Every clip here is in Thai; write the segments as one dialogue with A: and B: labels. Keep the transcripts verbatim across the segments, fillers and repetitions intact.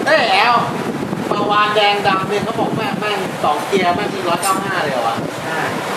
A: เฮ้ยแอลปาวานแดงดำเนี่ยเขาบอกแม่แม่งสองเกียร์แม่งที่ร้อยเก้าห้าเลยเหรอวะ
B: ใช่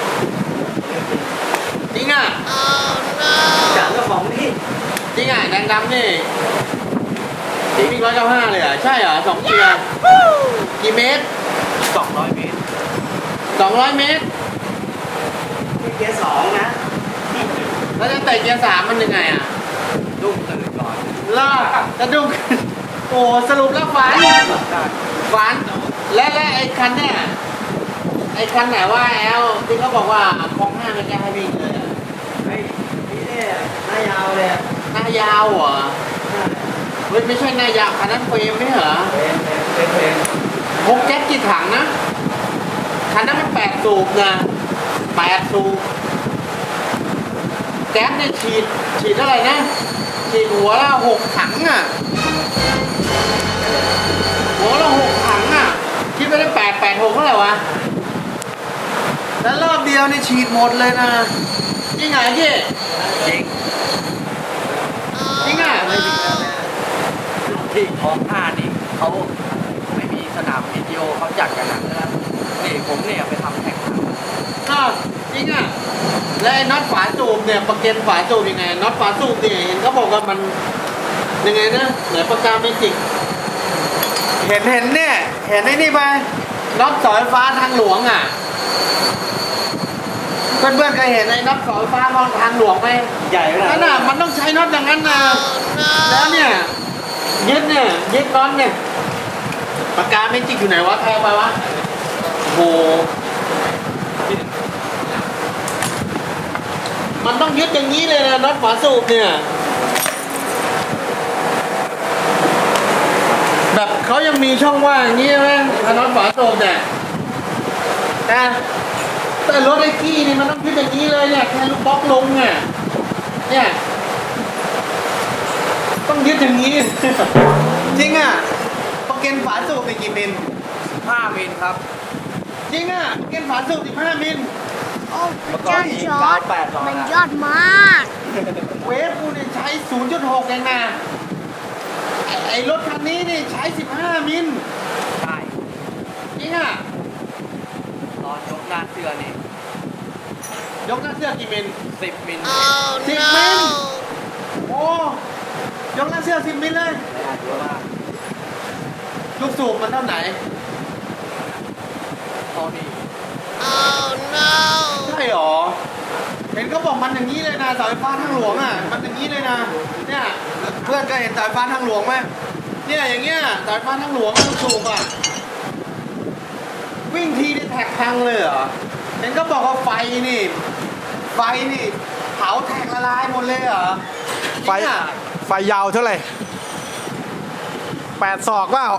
A: จริงอ่ะ
B: จากเจ้าของนี่
A: จริงอ่ะแดงดำนี่จริงมีร้อยเก้าห้าเลยเหรอ่ะใช่เหรอสองเกียร์กี่เมตร
B: สองร้อยเมตร
A: สองร้อยเมตร
B: นี่เกียร์สองนะ
A: แล้วจะเตะเกียร์สามมันยังไงอ่ะ
B: ดุ้งตื่นก่อน
A: ล่าจะดุ้ง โอ้สรุปแล้วฝัน
B: ได้
A: ฝันและและไอ้คันเนี่ยไอ้คันไหนว่าแอลที่เขาบอกว่าคลองห้าไม่กล้าให้วิ่งเลยอะ
B: ไอ้นี่เนี่ยหน้ายาวเลยอะ
A: หน้ายาวเหรอเฮ้ยไม่ใช่หน้ายาวคันนั้นเฟรมไม่เหรอ
B: เป็นเป็นเป็น
A: พกแก๊สกี่ถังนะคันนั้นมันแปดสูบนะแปดสูบแก๊สเนี่ยฉีดฉีดเท่าไหร่นะฉีดหัวละหกถังอ่ะหัวละหกถังอ่ะคิดไปได้แปดแปดหกเท่าไหร่วะแล้วรอบเดียวนี่ฉีดหมดเลยนะจริงเหรอพี่
B: จริง
A: จริงอ่ะ
B: ไม่มีแล้วนะที่ของห้านี่เขาไม่มีสนามวิดีโอเขาจัดกันนะนี่ผมเนี่ยไปทำแข่งขัน
A: ก็จริงอ่ะแล้วไอ้น็อตฝาสูบเนี่ยประเก็นฝาสูบยังไงน็อตฝาสูบเนี่ยเห็นเขาบอกว่ามันยังไงนะเหมือนปากกาเมจิกเห็นเห็นเนี่ยเห็นไอ้นี่ไปน็อตเสาไฟฟ้าทางหลวงอ่ะเพื่อนๆเคยเห็นไอ้น็อตเสาไฟฟ้าทางหลวงไหม
B: ใหญ่ขนาด
A: นั่นน่ะมันต้องใช้น็อตอย่างนั้นนะแล้วเนี่ยยึดเนี่ยยึดน็อตเนี่ยปากกาเมจิกอยู่ไหนวะใครเอาไปวะโอ้โหมันต้องยึดอย่างนี้เลยนะน็อตฝาสูบเนี่ยแบบเขายังมีช่องว่างอย่างนี้ไหมถ้าน็อตฝาสูบเนี่ยนะแต่รถไอ้กี้นี่มันต้องยึดอย่างนี้เลยเนี่ยแค่ลูกบล็อกลงเนี่ยเนี่ยต้องยึดอย่างนี้ จริงอ่ะประเก็นฝาสูบไปกี่มิล
B: ห้ามิลครับ
A: จริงอ่ะประเก็นฝาสูบสิบห้ามิล
C: โอ้พระเจ้าจอร์ดมันยอดมาก
A: เวฟกูเนี่ยใช้ ศูนย์จุดหก เองนะไอ้ไอ้รถคันนี้นี่ใช้ สิบห้า มิล
B: ใช่
A: จริงอ่ะ
B: ตอนยกหน้าเสื้อนี่
A: ยกหน้าเสื้อกี่มิล
B: สิบมิล
A: สิบมิล โอ้ยกหน้าเสื้อสิบมิลเลย
B: ไม่อาจจะว่า
A: ลูกสูบมันเท่าไหน
B: ตอนนี้
A: ใช่หรอ เห็นเขาบอกมันอย่างนี้เลยนะเสาไฟฟ้าทางหลวงอ่ะ มันอย่างนี้เลยนะ เนี่ยเพื่อนก็เห็นเสาไฟฟ้าทางหลวงไหมเนี่ยอย่างเงี้ยเสาไฟฟ้าทางหลวงลูกสูบอ่ะ วิ่งทีได้แท็กพังเลยเหรอ เห็นก็บอกว่าไฟนี่ ไฟนี่เผาแท็กละลายหมดเลยเหรอ
D: ไฟ
A: จริงอะ
D: ไฟยาวเท่าไหร่แปดศอกเปล่า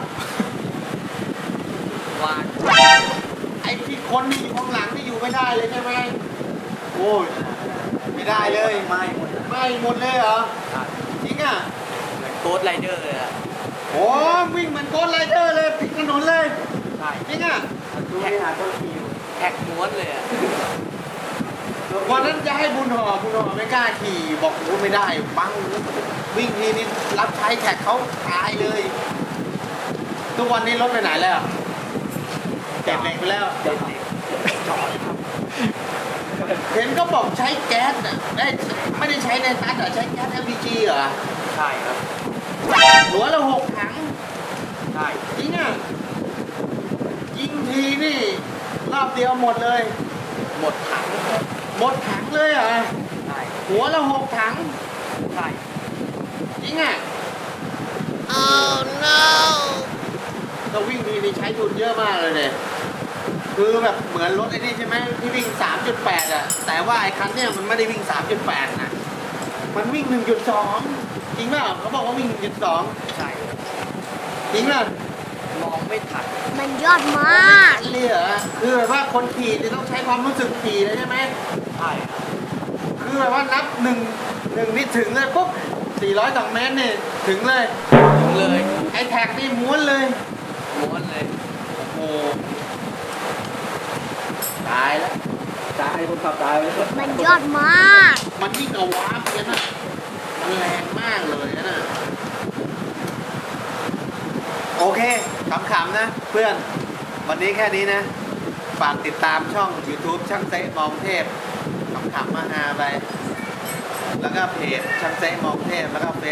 B: วาน
A: ไอ้ที่คนที่อยู่ข้างหลังที่อยู่ไม่ได้เลยใช่ไหมโอ้ยไม่ได้เลย
B: ไม่หมด
A: ไม่หมดเลยเหรอ จริงอ่ะ
B: เหมือนโค้ดไรเดอร์เลยอะ
A: โอ้วิ่งเหมือนโกดไรเดอร์เลยปิดถนนเลย
B: ใช่
A: จริงอ่ะ
B: ดูให้หาต้นคิวแท็กม้วนเลยอะ
A: วันนั้นจะให้บุญห่อบุญห่อไม่กล้าขี่บอกโอ้ไม่ได้ปังวิ่งทีนี้รับใช้แท็กเขาตายเลย ทุกวันนี้รถไปไหนแล้วเก็บเหล็กไปแล้ว
B: เด็กจอดครับ
A: เห็นก็บอกใช้แก๊สอ่ะได้ไม่ได้ใช้ในตัดเหรอใช้แก๊ส แอล พี จี เหรอ
B: ใช่ครับ
A: หัวละหกถัง
B: ใช่
A: จริงอ่ะยิงทีนี่รอบเดียวหมดเลย
B: หมดถัง
A: หมดถังเลยเหรอ
B: ใช่
A: หัวละหกถัง
B: ใช่
A: จริงอ่ะ
C: oh no
A: เราวิ่งทีนี่ใช้ทุนเยอะมากเลยเนี่ยคือแบบเหมือนรถไอ้นี่ใช่ไหมที่วิ่ง สามจุดแปด อ่ะ แต่ว่าไอ้คันเนี่ยมันไม่ได้วิ่ง สามจุดแปด นะมันวิ่ง หนึ่งจุดสอง จริงเปล่าเขาบอกว่าวิ่ง หนึ่งจุดสอง
B: ใช่
A: จริงป่ะ
B: มองไม่ทัน
C: มันยอดมาก
A: เลยเหรอคือแบบว่าคนขี่จะต้องใช้ความรู้สึกขี่เลยใช่ไหม
B: ใช่ครับ
A: คือแบบว่านับหนึ่งหนึ่งนี่ถึงเลยปุ๊บสี่ร้อยสองเมตรนี่ถึงเลย
B: ถึงเลย
A: ไอ้แท็กนี่ม้วนเลย
B: ม้วนเลย
A: โอ้ตายแล้ว
B: ตายคนขับตายไปแล้ว
C: มันยอดมาก
A: มันยิ่งกับวาร์ปเลยนะมันแรงมากเลยนะโอเคขำๆนะ เพื่อนวันนี้แค่นี้นะฝากติดตามช่อง YouTube ช่างเต๊ะมองเทพขำๆมาฮาไปแล้วก็เพจช่างเต๊ะมองเทพแล้วก็เฟ